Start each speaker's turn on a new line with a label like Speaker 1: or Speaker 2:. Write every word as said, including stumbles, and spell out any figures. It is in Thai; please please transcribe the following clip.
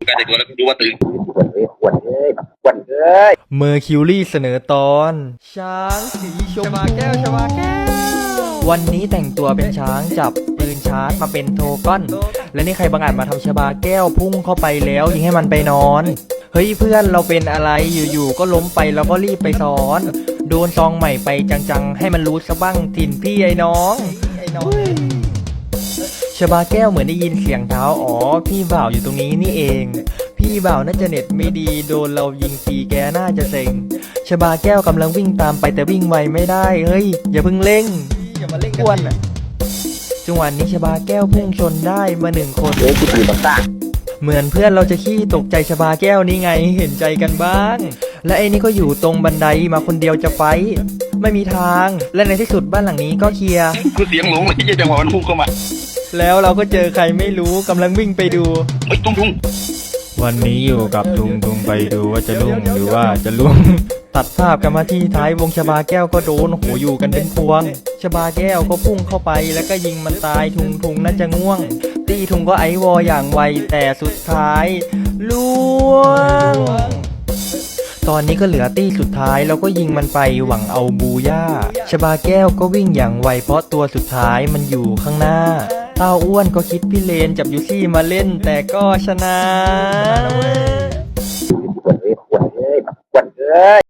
Speaker 1: การแต่งตัวแล้วก็ดูว่าตึง
Speaker 2: ขวดเลยขวดเลย
Speaker 3: เมอร์คิวรี่เสนอตอนช้างสีชมพูแก้วชบาแก้ววันนี้แต่งตัวเป็นช้างจับปืนชาร์จมาเป็นโทก้อนและนี่ใครบังอาจมาทำชบาแก้วพุ่งเข้าไปแล้วยิงให้มันไปนอนเฮ้ยเพื่อนเราเป็นอะไรอยู่ๆก็ล้มไปแล้วก็รีบไปซ้อนโดนซองใหม่ไปจังๆให้มันรู้ซะบ้างถิ่นพี่ไอ้น้องชบาแก้วเหมือนได้ยินเสียงเท้าอ๋อพี่บ่าวอยู่ตรงนี้นี่เองพี่บ่าวน่าจะเน็ตไม่ดีโดนเรายิงฟรีแกน่าจะเซ็งชบาแก้วกำลังวิ่งตามไปแต่วิ่งไวไม่ได้เฮ้ยอย่าเพิ่งเร่งอย่ามาเร่งอ้วนอ่ะจังหวะนี้ชบาแก้วพุ่งชนได้มาหนึ่งคน
Speaker 2: เฮ้ยกูตื่นมาซ่า
Speaker 3: เหมือนเพื่อนเราจะขี้ตกใจชบาแก้วนี่ไงเห็นใจกันบ้างและไอ้นี่ก็อยู่ตรงบันไดมาคนเดียวจะไฟไม่มีทางและในที่สุดบ้านหลังนี้ก็เคลียร์
Speaker 1: กูเสียงหลงเลยที่จังหวะมันพุ่งเข้ามา
Speaker 3: แล้วเราก็เจอใครไม่รู้กำลังวิ่งไปดู
Speaker 1: เฮ้ยตุ้งตุ้ง
Speaker 3: วันนี้อยู่กับทุงทุงไปดูว่าจะลุ่งหรือว่าจะลุ่งตัดภาพกันมาที่ท้ายวงชบาแก้วก็โดนโหอยู่กันเป็นพวงชบาแก้วก็พุ่งเข้าไปแล้วก็ยิงมันตายทุงทุงน่าจะง่วงตีทุงก็ไอวออย่างไวแต่สุดท้ายล่วงตอนนี้ก็เหลือตี้สุดท้ายแล้วก็ยิงมันไปหวังเอาบูย่าชบาแก้วก็วิ่งอย่างไวเพราะตัวสุดท้ายมันอยู่ข้างหน้าเต้าอ้วนก็คิดพี่เลนจับยูซี่มาเล่นแต่ก็ชนะ
Speaker 2: ขวดเลยขวดเลยขวดเลย